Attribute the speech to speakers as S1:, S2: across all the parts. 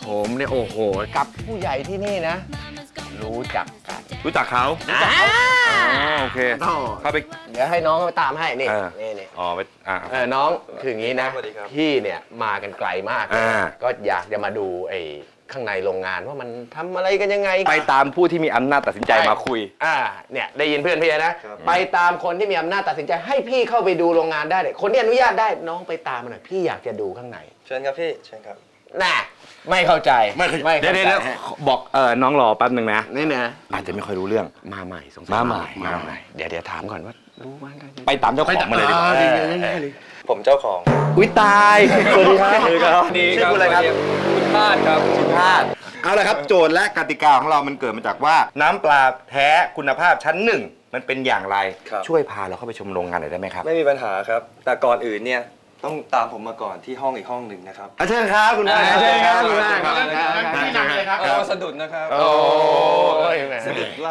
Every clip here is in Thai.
S1: ผมเนี่ยโอ้โหกับผู้ใหญ่ที่นี่นะรู้จักกัน
S2: รู้จักเขาโอเคเข้าไป
S1: เดี๋ยวให้น้องไปตามให้นี่
S2: อ๋อไป
S1: น้องคืออย่างนี้นะพี่เนี่ยมากันไกลมากก็อยากจะมาดูไอ้ข้างในโรงงานว่ามันทำอะไรกันยังไง
S2: ไปตามผู้ที่มีอำนาจตัดสินใจมาคุย
S1: เนี่ยได้ยินเพื่อนพี่นะไปตามคนที่มีอำนาจตัดสินใจให้พี่เข้าไปดูโรงงานได้เลยคนที่อนุญาตได้น้องไปตามมาหน่อยพี่อยากจะดูข้างใน
S3: เชิญครับพี่เชิญครับ
S1: น่ะไม่เข้าใจ
S2: เดี๋ยวบอกน้องรอแป๊บนึงนะ
S1: นี่นะ
S2: อาจจะไม่ค่อยรู้เรื่อง
S1: มาใหม่สงสัย
S2: มาใหม่
S1: เดี๋ยวถามก่อนว่ารู้ไหม
S2: ไปตามเจ้าของมาเลยดีกว่า
S3: ผมเจ้าของ
S2: อุ้ยตายสวัสดีครับ
S3: ชื่อคุณอะไรครับคุณพาดครับ
S1: คุณพาด
S2: เอาละครับโจทย์และกติกาของเรามันเกิดมาจากว่าน้ำปลาแท้คุณภาพชั้นหนึ่งมันเป็นอย่างไรช่วยพาเราเข้าไปชมโรงงานหน่อยได้ไหมครับ
S3: ไม่มีปัญหาครับแต่ก่อนอื่นเนี่ยต้องตามผมมาก่อนที่ห้องอีกห้องหนึ่งนะครับ
S2: เชิญครับคุณพาด
S1: เชิญครับคุณพาด
S3: ที่นั่งเลยครับสะดุดนะครับ
S1: โอ้ย
S3: สะดุดล้า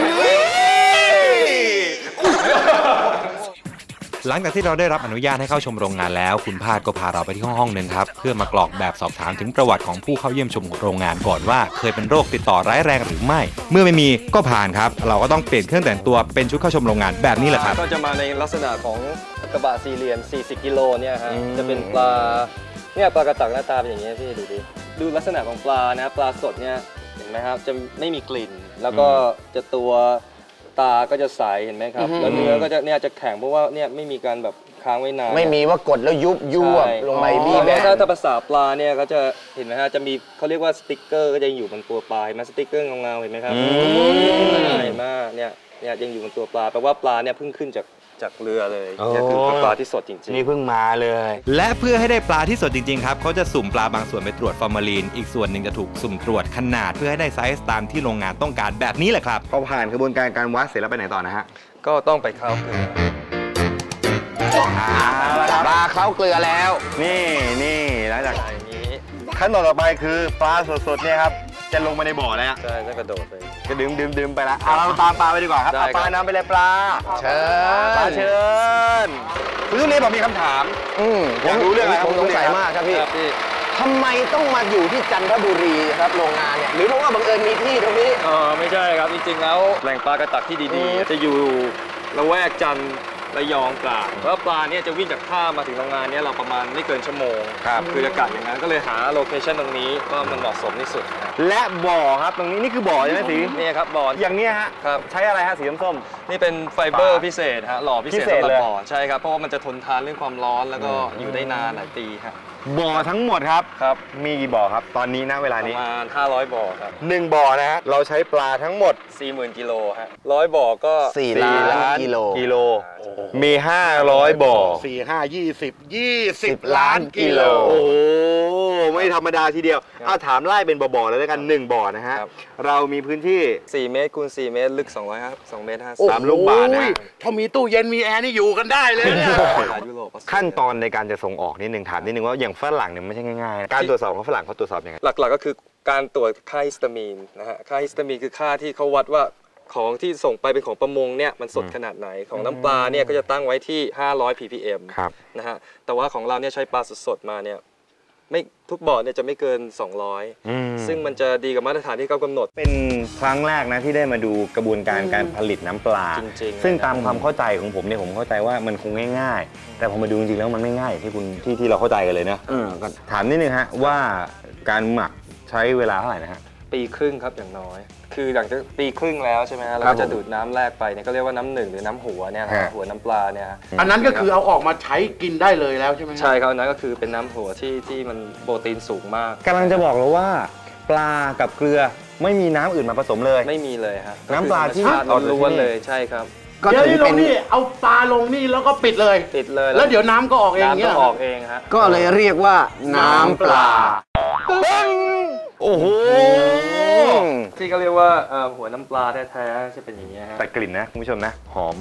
S4: หลังจากที่เราได้รับอนุญาตให้เข้าชมโรงงานแล้วคุณพาดก็พาเราไปที่ห้องหนึ่งครับเพื่อมากรอกแบบสอบถามถึงประวัติของผู้เข้าเยี่ยมชมโรงงานก่อนว่าเคยเป็นโรคติดต่อร้ายแรงหรือไม่เมื่อไม่มีก็ผ่านครับเราก็ต้องเปลี่ยนเครื่องแต่งตัวเป็นชุดเข้าชมโรงงานแบบนี้แหละครับ
S3: ก็จะมาในลักษณะของกระบะ4เหลี่ยม40กิโลเนี่ยฮะจะเป็นปลาเนี่ยปลากระตักหน้าตาเป็นอย่างนี้พี่ดูลักษณะของปลานะปลาสดเนี่ยเห็นไหมครับจะไม่มีกลิ่นแล้วก็จะตัวตาก็จะใสเห็นไหมครับแล้วเนื้อก็จะเนี่ยจะแข็งเพราะว่าเนี่ยไม่มีการแบบค้างไว้นาน
S1: ไม่มีว่ากดแล้วยุบลงไปบี้แบ
S3: บถ้าภาษาปลาเนี่ยก็จะเห็นไหมฮะจะมีเขาเรียกว่าสติ๊กเกอร์ก็จะอยู่บนตัวปลาเห็นไหมสติ๊กเกอร์เงาๆเห็นไหมครับใหญ่มากเนี่ยยังอยู่บนตัวปลาแปลว่าปลาเนี่ยเพิ่งขึ้นจากเรือเลยนี่คือปลาที่สดจริงๆ
S1: นี่เพิ่งมาเลย
S4: และเพื่อให้ได้ปลาที่สดจริงๆครับเขาจะสุ่มปลาบางส่วนไปตรวจฟอร์มาลีนอีกส่วนหนึ่งจะถูกสุ่มตรวจขนาดเพื่อให้ได้ไซส์ตามที่โรงงานต้องการแบบนี้แหละครับ
S2: พอผ่านกระบวนการการวัดเสร็จแล้วไปไหนต่อนะฮะ
S3: ก็ต้องไปเข้าเกลือ
S1: ปลาเข้าเกลือแล้ว
S2: นี่หลังจากนี้ขั้นตอนต่อไปคือปลาสดๆเนี่ยครับจะลงมาในบ่อแล้ว
S3: ใช่จะกระโดดไป
S2: จะดื่มไปแล้วเราตามปลาไปดีกว่าครับปลาน้ำไปเลยปลา
S1: เชิ
S2: ญคุณทุเรียนบอกมีคำถามอยากรู้เรื่องอะไร
S1: ผมสงสัยมากครับพี่ทำไมต้องมาอยู่ที่จันทบุรีครับโรงงานเนี่ยหรือเพราะว่าบังเอิญมีที่ตรงนี้
S3: ไม่ใช่ครับจริงๆแล้วแหล่งปลากระตักที่ดีๆจะอยู่ละแวกจันทร์ระยองตราดเพราะปลาเนี่ยจะวิ่งจากท่ามาถึงโรงงานเนี่ยเราประมาณไม่เกินชั่วโมงคืออากาศอย่างนั้นก็เลยหาโลเคชั่นตรงนี้ว่ามันเหมาะสมที่สุด
S2: และบ่อครับตรงนี้นี่คือบ่อใช่ไหมสี
S3: นี่ครับบ่อ
S2: อย่างนี้ฮะใช้อะไรฮะสีส้ม
S3: นี่เป็นไฟเบอร์พิเศษฮะหล่อพิเศษสำหรับบ่อใช่ครับเพราะว่ามันจะทนทานเรื่องความร้อนแล้วก็อยู่ได้นานหลายปีครับ
S2: บ่อทั้งหมดครับมีกี่บ่อครับตอนนี้นะเวลานี้
S3: ประมาณ500บ่อครับ
S2: 1บ่อนะฮะเราใช้ปลาทั้งหมด
S3: 40,000 กิโลฮะ100บ่อก็
S1: 4 ล้านกิโล
S2: มี500บ่อ
S1: 4 5 20ล้านกิโล
S2: โอ้โหไม่ธรรมดาทีเดียวถามไล่เป็นบ่อๆเลยแล้วกัน1บ่อนะฮะเรามีพื้นที่
S3: 4 เมตรคูณ4 เมตรลึก2 เมตร
S2: 3 ลูกบาศก์นะ
S1: ถ้ามีตู้เย็นมีแอร์นี่อยู่กันได้เลยเนี่ย
S2: ขั้นตอนในการจะส่งออกนิดนึงถามนิดนึงว่าอย่างฝรั่งเนี่ยไม่ใช่ง่ายๆการตรวจสอบของฝรั่งเขาตรวจสอบยังไง
S3: หลักๆก็คือการตรวจค่าฮิสตามีนนะฮะค่าฮิสตามีนคือค่าที่เขาวัดว่าของที่ส่งไปเป็นของประมงเนี่ยมันสดขนาดไหนของน้ำปลาเนี่ยก็จะตั้งไว้ที่500 ppm นะฮะแต่ว่าของเราเนี่ยใช้ปลาสดๆมาเนี่ยไม่ทุกบ่อเนี่ยจะไม่เกิน200ซึ่งมันจะดีกับมาตรฐานที่เขากำหนด
S2: เป็นครั้งแรกนะที่ได้มาดูกระบวนการการผลิตน้ำปลา
S3: จริงๆ
S2: ซึ่งตามความเข้าใจของผมเนี่ยผมเข้าใจว่ามันคงง่ายๆแต่พอมาดูจริงๆแล้วมันไม่ง่ายที่เราเข้าใจกันเลยนะถามนิดนึงฮะว่าการหมักใช้เวลาเท่าไหร่นะฮะ
S3: ปีครึ่งครับอย่างน้อยคือหลังจากปีครึ่งแล้วใช่ไหมฮะเราก็จะดูดน้ำแรกไปเนี่ยก็เรียกว่าน้ำหนึ่งหรือน้ำหัวเนี่ยหัวน้ำปลาเนี่ย
S1: อันนั้นก็คือเอาออกมาใช้กินได้เลยแล้วใช่ไหม
S3: ใช่ครับอันนั้นก็คือเป็นน้ำหัวที่มันโปรตีนสูงมาก
S2: กำลังจะบอกแล้วว่าปลากับเกลือไม่มีน้ำอื่นมาผสมเลย
S3: ไม่มีเลยฮะ
S2: น้ำปลาที่
S3: ล้วนเลยใช่ครับ
S1: เดี๋ยวนี้ลงนี่เอาปลาลงนี่แล้วก็ปิดเลยแล้วเดี๋ยวน้ำก็ออกเอง
S3: น้ำก็ออกเองฮะ
S1: ก็เลยเรียกว่าน้ำปลา
S2: โอ้โห
S3: ที่เขาเรียกว่าหัวน้ำปลาแท้ๆจะเป็นอย่างนี้ฮะ
S2: แต่กลิ่นนะคุณผู้ชมนะหอม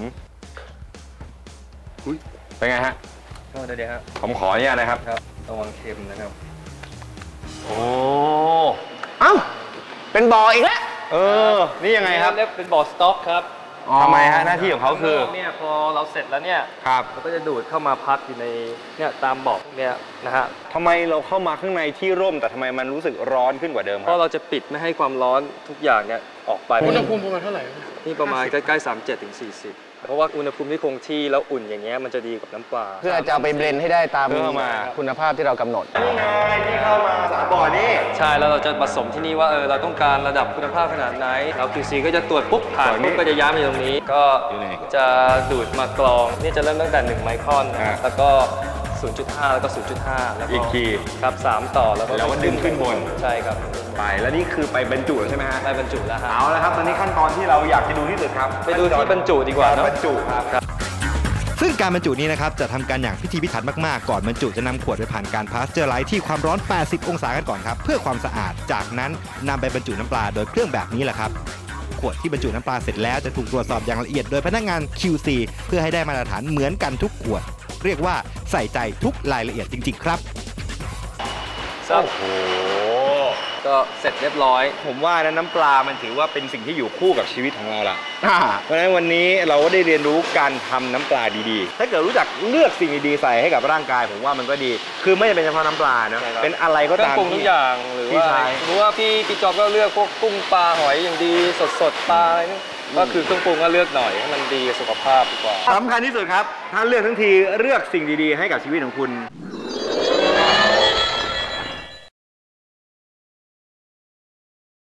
S2: เป็นไงฮะ
S3: ก็ได้ครับ
S2: ผมขออนุญาตนะครับ
S3: ระวังเค็มนะครับ
S2: โอ้
S1: เอ้าเป็นบ่ออีกแล้ว
S2: นี่ยังไงครับ
S3: เป็นบ่อสต๊อกครับ
S2: ทำไมฮะหน้าที่ของเขาคือ
S3: เนี่ยพอเราเสร็จแล้วเนี่ย
S2: ครับ
S3: เราก็จะดูดเข้ามาพักอยู่ในเนี่ยตามเบาะเนี่ยนะฮะ
S2: ทำไมเราเข้ามาข้างในที่ร่มแต่ทำไมมันรู้สึกร้อนขึ้นกว่าเดิมค
S3: เพ
S2: รับ
S3: ราะเราจะปิดไม่ให้ความร้อนทุกอย่างเนี่ยออกไป
S5: อุณหภูมิประมาณเท่าไหร่
S3: นี่ประมาณใกล้ๆ37 ถึง 40 เพราะว่าอุณหภูมิที่คงที่แล้วอุ่นอย่างเงี้ยมันจะดีกับน้ำปลา
S1: เพื่อจะเอาไปเบลนด์ให้ได้ตาม
S2: เพื่อมา
S1: คุณภาพที่เรากำหนด
S2: นี่ไงที่เข้ามา3 บ่อนี่
S3: ใช่แล้วเราจะผสมที่นี่ว่าเราต้องการระดับคุณภาพขนาดไหนแล้ว QC ก็จะตรวจปุ๊บผ่านปุ๊บก็จะย้ายมาอยู่ตรงนี้ ก็จะดูดมากรองนี่จะเริ่มตั้งแต่1 ไมครอนนะแล้วก็ 0.5 แล้วก็ 0.5 แล้วก็
S2: อีกที
S3: ครับ3ต่อแล้วก็
S2: แล้วก็ดึงขึ้นบน
S3: ใช่ครับ
S2: ไปแล้วนี่คือไปบรรจุแล้วใช่ไหมฮะ
S3: ได้บรรจุแล้วฮะ
S2: เอาละครับตอนนี้ขั้นตอนที่เราอยากจะดูที่สุดครับ
S3: ไปดูที่บรรจุดีกว่า
S2: การ
S3: เนอะ
S2: บรรจุครับ
S4: ซึ่งการบรรจุนี้นะครับจะทำการอย่างพิธีพิถันมากๆ ก่อนบรรจุจะนำขวดไปผ่านการพาสเจอร์ไลท์ที่ความร้อน 80 องศากันก่อนครับเพื่อความสะอาด จากนั้นนำไปบรรจุน้ำปลาโดยเครื่องแบบนี้แหละครับ ขวดที่บรรจุน้ำปลาเสร็จแล้วจะถูกตรวจสอบอย่างละเอียดโดยพนักงาน QC เพื่อให้ได้มาตรฐานเหมือนกันทุกขวด เรียกว่าใส่ใจทุกรายละเอียดจริงๆครับ
S3: โอ้โหก็เสร็จเรียบร้อย
S2: ผมว่านะน้ำปลามันถือว่าเป็นสิ่งที่อยู่คู่กับชีวิตของเราละเพราะฉะนั้นวันนี้เราก็ได้เรียนรู้การทำน้ำปลาดีๆ ถ้าเกิดรู้จักเลือกสิ่งดีๆใส่ให้กับร่างกาย ผมว่ามันก็ดี คือไม่จำเป็นเฉพาะน้ำปลาเนอะ
S3: ใช่ครับ
S2: เป็นอะไรก็
S3: เครื่อง
S2: ตาม
S3: ปรุงทุกอย่างหรือ
S2: ที่
S3: ว่า
S2: ใช้
S3: สมมติว่าพี่จอบก็เลือกพวกกุ้งปลาหอยอย่างดีสดๆปลาอะไรนี่ก็คือเครื่องปรุงก็เลือกหน่อยให้มันดีกับสุขภาพดีกว่า
S2: สำคัญที่สุดครับ ถ้าเลือกทั้งทีเลือกสิ่งดีๆ ให้กับชีวิตของคุณ